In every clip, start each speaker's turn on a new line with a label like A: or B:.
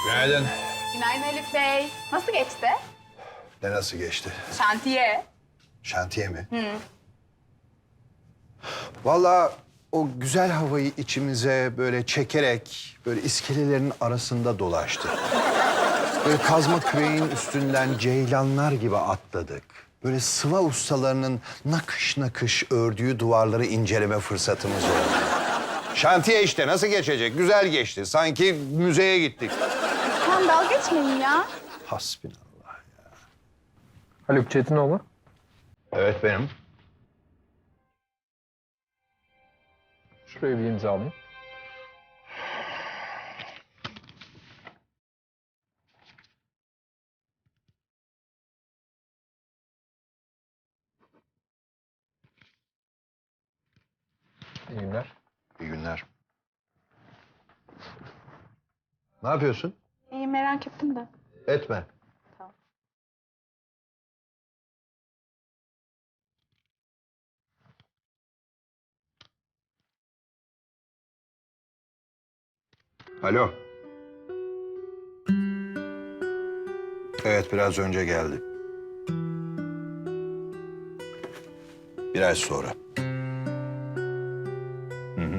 A: Günaydın.
B: Günaydın Elif Bey. Nasıl geçti?
A: Ne nasıl geçti?
B: Şantiye.
A: Şantiye mi? Vallahi o güzel havayı içimize böyle çekerek böyle iskelelerin arasında dolaştık. Böyle kazma küreğin üstünden ceylanlar gibi atladık. Böyle sıva ustalarının nakış nakış ördüğü duvarları inceleme fırsatımız oldu. Şantiye işte nasıl geçecek? Güzel geçti. Sanki müzeye gittik.
B: Tamam dalga geçmeyin ya.
A: Hasbinallah.
C: Haluk Çetinoğlu.
A: Evet benim.
C: Şuraya bir imza alayım. İyi günler.
A: İyi günler. Ne yapıyorsun?
B: İyi merak ettim de.
A: Etme.
B: Tamam.
A: Alo. Evet, biraz önce geldi. Bir ay sonra. Hı hı.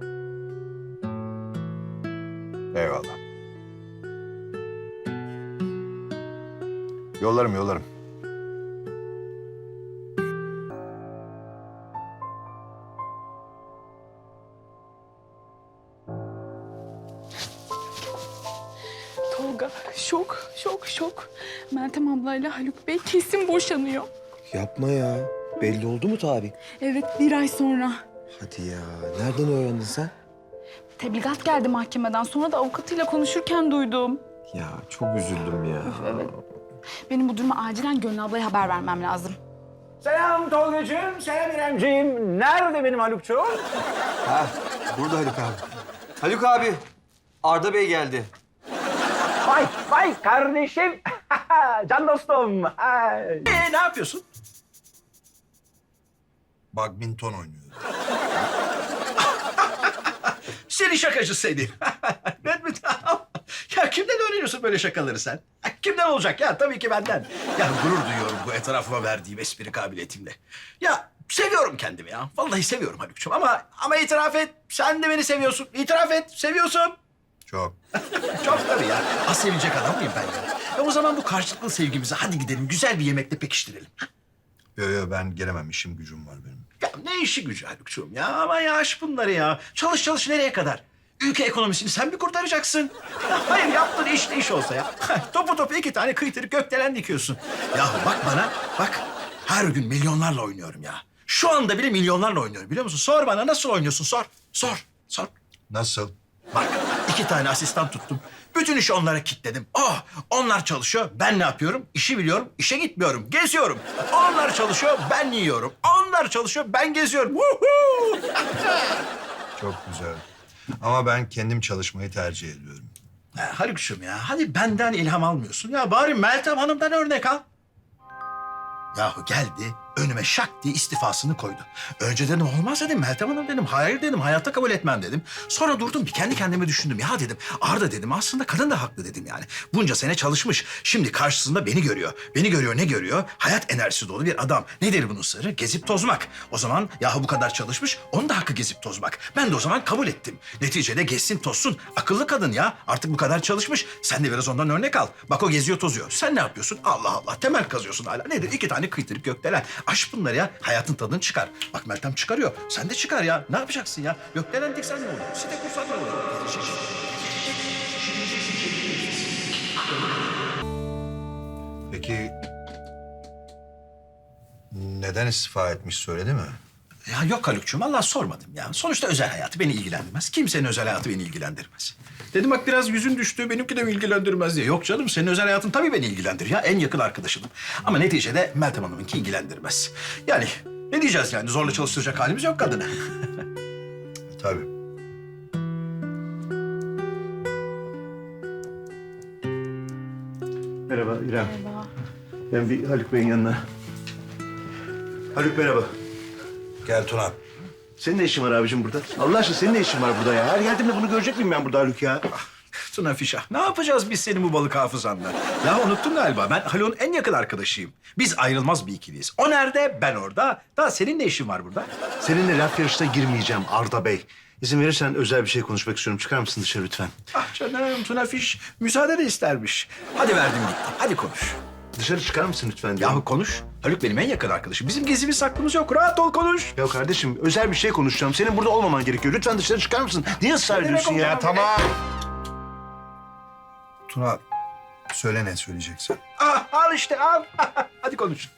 A: Eyvallah. Yollarım.
B: Tolga şok. Meltem ablayla Haluk Bey kesin boşanıyor.
D: Yapma ya. Belli oldu mu tarih?
B: Evet 1 ay sonra.
D: Hadi ya. Nereden öğrendin sen?
B: Tebligat geldi mahkemeden. Sonra da avukatıyla konuşurken duydum.
D: Ya çok üzüldüm ya.
B: Evet. Benim bu duruma acilen Gönül ablaya haber vermem lazım.
E: Selam Tolgacığım, selam İremciğim. Nerede benim Halukçuğum?
D: Ha, burada Haluk abi. Haluk abi, Arda Bey geldi.
E: Vay kardeşim. Can dostum. Ay. Ne yapıyorsun?
A: Badminton oynuyor.
E: Seni şakacı seni. Ya kimden öğreniyorsun böyle şakaları sen? Kimden olacak ya? Tabii ki benden. Ya gurur duyuyorum bu etrafıma verdiğim espri kabiliyetimle. Ya seviyorum kendimi ya. Vallahi seviyorum Haluk'cum ama itiraf et. Sen de beni seviyorsun. İtiraf et. Seviyorsun.
A: Çok.
E: Çok tabii ya. Az sevecek adam mıyım ben ya? O zaman bu karşılıklı sevgimizi hadi gidelim güzel bir yemekle pekiştirelim.
A: Yo, ben gelemem. İşim gücüm var benim.
E: Ya ne işi gücü Haluk'cuğum ya? Ama ya aş bunları ya. Çalış nereye kadar? Ülke ekonomisini sen mi kurtaracaksın? Ya hayır yaptığın iş de iş olsa ya. Topu 2 tane kıytırık gökdelen dikiyorsun. Ya bak bana bak. Her gün milyonlarla oynuyorum ya. Şu anda bile milyonlarla oynuyorum biliyor musun? Sor bana nasıl oynuyorsun sor.
A: Nasıl?
E: Bak 2 tane asistan tuttum. Bütün işi onlara kilitledim. Oh onlar çalışıyor. Ben ne yapıyorum? İşi biliyorum. İşe gitmiyorum. Geziyorum. Onlar çalışıyor. Ben yiyorum. Onlar çalışıyor. Ben geziyorum. Woohoo!
A: Çok güzel. Ama ben kendim çalışmayı tercih ediyorum.
E: Haluk'cum ya hadi benden ilham almıyorsun. Ya bari Meltem Hanım'dan örnek al. Yahu geldi önüme şak diye istifasını koydu. Önce dedim olmaz dedim Meltem Hanım dedim. Hayır dedim hayatta kabul etmem dedim. Sonra durdum bir kendi kendime düşündüm. Ya dedim Arda dedim aslında kadın da haklı dedim yani. Bunca sene çalışmış. Şimdi karşısında beni görüyor. Beni görüyor ne görüyor? Hayat enerjisi dolu bir adam. Nedir bunun sırrı? Gezip tozmak. O zaman yahu bu kadar çalışmış onun da hakkı gezip tozmak. Ben de o zaman kabul ettim. Neticede gezsin tozsun. Akıllı kadın ya. Artık bu kadar çalışmış. Sen de biraz ondan örnek al. Bak o geziyor tozuyor. Sen ne yapıyorsun? Allah Allah temel kazıyorsun hala. Nedir? 2 tane kıytırık gökdelen. Aş bunları ya. Hayatın tadını çıkar. Bak Meltem çıkarıyor. Sen de çıkar ya. Ne yapacaksın ya? Gökdelen diksen ne olur? Site kursan ne olur?
A: Peki neden istifa etmiş söyledi mi?
E: Ya yok Haluk'cuğum Allah sormadım ya. Sonuçta özel hayatı beni ilgilendirmez. Kimsenin özel hayatı beni ilgilendirmez. Dedim bak biraz yüzün düştü benimki de mi ilgilendirmez diye. Yok canım senin özel hayatın tabii beni ilgilendirir ya. En yakın arkadaşınım. Ama neticede Meltem Hanım'ınki ilgilendirmez. Yani ne diyeceğiz yani zorla çalıştıracak halimiz yok kadını.
A: Tabii.
F: Merhaba İrem.
B: Merhaba.
F: Ben bir Haluk Bey'in yanına. Haluk merhaba.
A: Gel Tuna.
F: Senin ne işin var abicim burada? Allah aşkına senin ne işin var burada ya? Her geldiğimde bunu görecek miyim ben burada Haluk ya?
E: Tuna Fişah, ne yapacağız biz senin bu balık hafızanla? Ya unuttun galiba, ben Haluk'un en yakın arkadaşıyım. Biz ayrılmaz bir ikiliyiz. O nerede, ben orada. Daha senin ne işin var burada?
F: Seninle laf yarışına girmeyeceğim Arda Bey. İzin verirsen özel bir şey konuşmak istiyorum. Çıkar mısın dışarı lütfen?
E: Ah canım, Tuna Fiş müsaade de istermiş. Hadi verdim gitti, hadi konuş.
F: Dışarı çıkar mısın lütfen diyorum.
E: Yahu konuş. Haluk benim en yakın arkadaşım. Bizim gizlimiz saklımız yok. Rahat ol, konuş.
F: Ya kardeşim özel bir şey konuşacağım. Senin burada olmaman gerekiyor. Lütfen dışarı çıkar mısın? Niye ısrar ediyorsun ya?
E: olmam
F: Tamam.
A: Tuna, söyle ne söyleyeceksin.
E: Ah, al işte, al. Hadi konuş.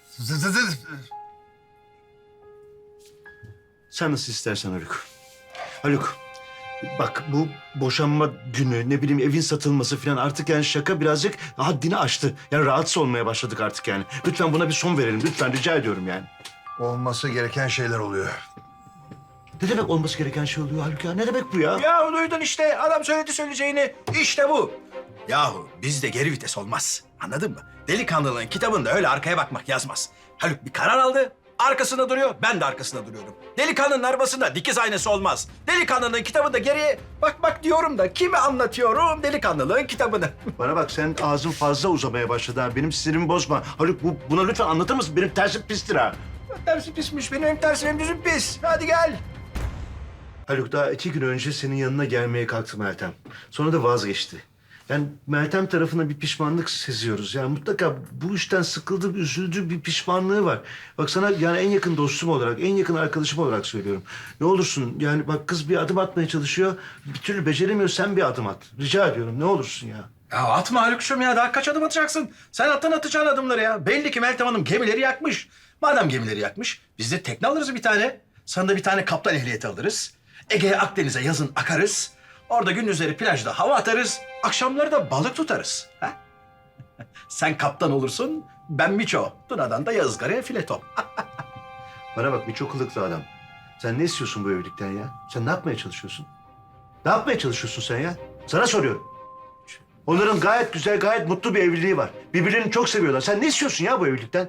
F: Sen nasıl istersen Haluk. Haluk, bak bu boşanma günü, ne bileyim evin satılması falan artık yani şaka birazcık haddini aştı. Yani rahatsız olmaya başladık artık yani. Lütfen buna bir son verelim. Lütfen rica ediyorum yani.
A: Olması gereken şeyler oluyor.
F: Ne demek olması gereken şey oluyor Haluk ya? Ne demek bu ya?
E: Yahu duydun işte. Adam söyledi söyleyeceğini. İşte bu. Yahu bizde geri vites olmaz. Anladın mı? Delikanlılığın kitabında öyle arkaya bakmak yazmaz. Haluk bir karar aldı. Arkasında duruyor. Ben de arkasında duruyorum. Delikanlının arabasında dikiz aynası olmaz. Delikanlının kitabında geriye bak diyorum da kime anlatıyorum delikanlılığın kitabını?
F: Bana bak sen ağzın fazla uzamaya başladı ha. Benim sinirimi bozma. Haluk buna lütfen anlatır mısın? Benim tersim pistir ha.
E: Tersi pismiş. Benim hem tersim hem düzüm pis. Hadi gel.
F: Haluk daha 2 gün önce senin yanına gelmeye kalktı Meltem. Sonra da vazgeçti. Yani Meltem tarafına bir pişmanlık seziyoruz. Yani mutlaka bu işten sıkıldı, üzüldü, bir pişmanlığı var. Bak sana yani en yakın dostum olarak, en yakın arkadaşım olarak söylüyorum. Ne olursun yani bak kız bir adım atmaya çalışıyor. Bir türlü beceremiyor, sen bir adım at. Rica ediyorum ne olursun ya.
E: Ya atma Haluk'cum ya. Daha kaç adım atacaksın? Sen atacağın adımları ya. Belli ki Meltem Hanım gemileri yakmış. Madem gemileri yakmış, biz de tekne alırız bir tane. Sana da bir tane kaptan ehliyeti alırız. Ege'ye, Akdeniz'e yazın akarız. Orada gündüzleri plajda hava atarız. Akşamları da balık tutarız. Ha? Sen kaptan olursun, ben Miço. Tuna'dan da yazgaraya fileto.
F: Bana bak bir çok kılıklı adam. Sen ne istiyorsun bu evlilikten ya? Sen ne yapmaya çalışıyorsun? Ne yapmaya çalışıyorsun sen ya? Sana soruyorum. Onların gayet güzel, gayet mutlu bir evliliği var. Birbirlerini çok seviyorlar. Sen ne istiyorsun ya bu evlilikten?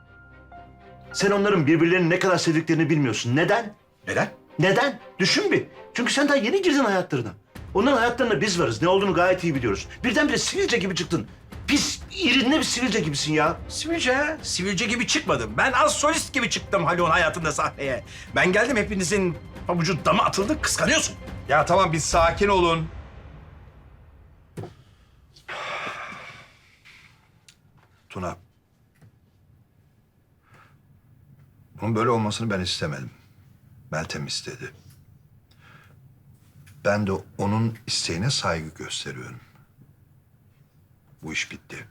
F: Sen onların birbirlerini ne kadar sevdiklerini bilmiyorsun. Neden?
E: Neden?
F: Neden? Düşün bir. Çünkü sen daha yeni girdin hayatlarına. Onların hayatlarında biz varız. Ne olduğunu gayet iyi biliyoruz. Birdenbire sivilce gibi çıktın. Pis, irinli bir sivilce gibisin ya.
E: Sivilce, sivilce gibi çıkmadım. Ben az solist gibi çıktım Haluk'un hayatında sahneye. Ben geldim, hepinizin pabucu dama atıldı, kıskanıyorsun.
A: Ya tamam, bir sakin olun. Tuna. Bunun böyle olmasını ben istemedim. Meltem istedi. Ben de onun isteğine saygı gösteriyorum. Bu iş bitti.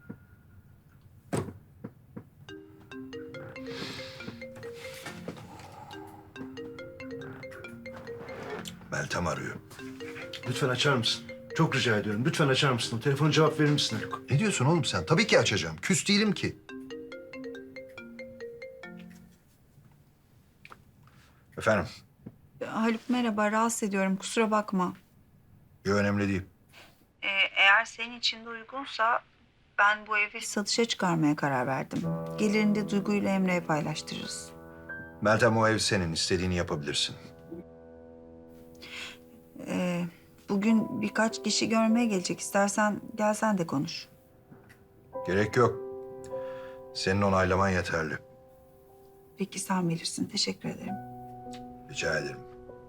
A: Meltem arıyor.
F: Lütfen açar mısın? Çok rica ediyorum. Lütfen açar mısın? O telefona cevap verir misin Haluk?
A: Ne diyorsun oğlum sen? Tabii ki açacağım. Küs değilim ki. Efendim?
G: Haluk merhaba, rahatsız ediyorum. Kusura bakma.
A: Yok, önemli değil.
G: Eğer senin için de uygunsa ben bu evi satışa çıkarmaya karar verdim. Gelirini de Duygu ile Emre'ye paylaştırırız.
A: Meltem, o ev senin. İstediğini yapabilirsin.
G: Bugün birkaç kişi görmeye gelecek. İstersen gelsen de konuş.
A: Gerek yok. Senin onaylaman yeterli.
G: Peki sen bilirsin. Teşekkür ederim.
A: Rica ederim.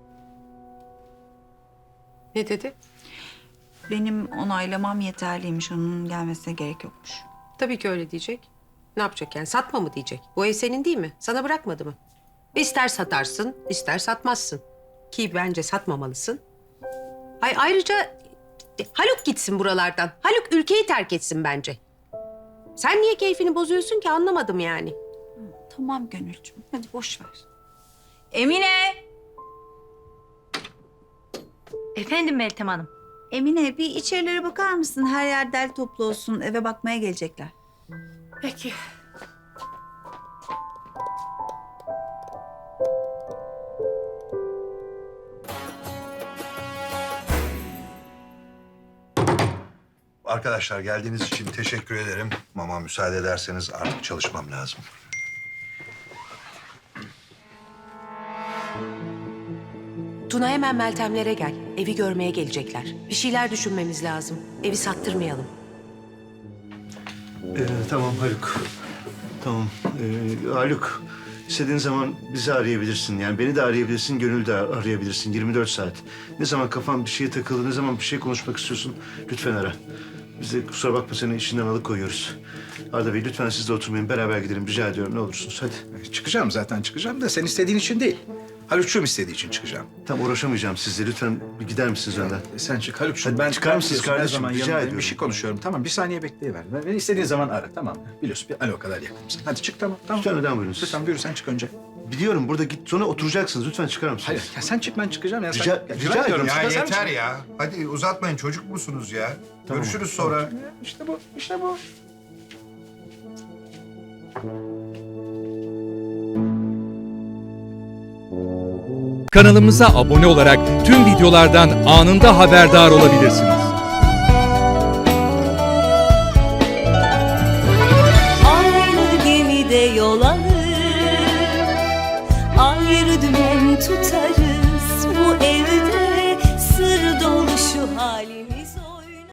H: Ne dedi?
G: Benim onaylamam yeterliymiş. Onun gelmesine gerek yokmuş.
H: Tabii ki öyle diyecek. Ne yapacak yani? Satma mı diyecek? Bu ev senin değil mi? Sana bırakmadı mı? İster satarsın, ister satmazsın. Ki bence satmamalısın. Ayrıca Haluk gitsin buralardan. Haluk ülkeyi terk etsin bence. Sen niye keyfini bozuyorsun ki anlamadım yani.
G: Tamam Gönülcüm. Hadi boş ver. Emine!
I: Efendim Meltem Hanım.
G: Emine bir içerilere bakar mısın? Her yer derli toplu olsun. Eve bakmaya gelecekler.
H: Peki.
A: Arkadaşlar, geldiğiniz için teşekkür ederim. Ama müsaade ederseniz artık çalışmam lazım.
H: Tuna hemen Meltemlere gel. Evi görmeye gelecekler. Bir şeyler düşünmemiz lazım. Evi sattırmayalım.
F: Tamam Haluk. Tamam. Haluk, istediğin zaman bizi arayabilirsin. Yani beni de arayabilirsin, Gönül'ü de arayabilirsin. 24 saat. Ne zaman kafan bir şeye takıldı, ne zaman bir şey konuşmak istiyorsun lütfen ara. Biz de kusura bakma seni işinden alıkoyuyoruz. Arda Bey lütfen siz de oturmayın. Beraber gidelim rica ediyorum ne olursunuz. Hadi.
E: Çıkacağım zaten çıkacağım da sen istediğin için değil. Haluk'cum istediği için çıkacağım.
F: Tam uğraşamayacağım sizle. Lütfen bir gider misiniz önden?
E: Sen çık Haluk'cum.
F: Hadi
E: Ben
F: çıkar mısınız
E: istiyorsun, her
F: kardeşim?
E: zaman
F: Rica
E: yanındayım. Bir
F: ediyorum.
E: şey konuşuyorum. Tamam bir saniye bekleyiver. Beni istediğin zaman ara tamam mı? Biliyorsun bir alo kadar yakınımsın. Hadi çık tamam. Tamam.
F: Lütfen önden buyurun siz.
E: Lütfen buyur sen çık önce.
F: Biliyorum burada git sonra oturacaksınız. Lütfen çıkar mısınız?
E: Hayır ya sen çık ben çıkacağım ya.
F: Rica-
E: sen,
F: rica ediyorum.
E: Çık,
A: Ya
E: sen
A: yeter
E: çık.
A: ya. Hadi uzatmayın çocuk musunuz ya?
F: Tamam.
A: Görüşürüz sonra.
E: İşte bu işte bu.
J: Kanalımıza abone olarak tüm videolardan anında haberdar olabilirsiniz.
K: Aynı gemide yol alır, ayrı dümen tutar.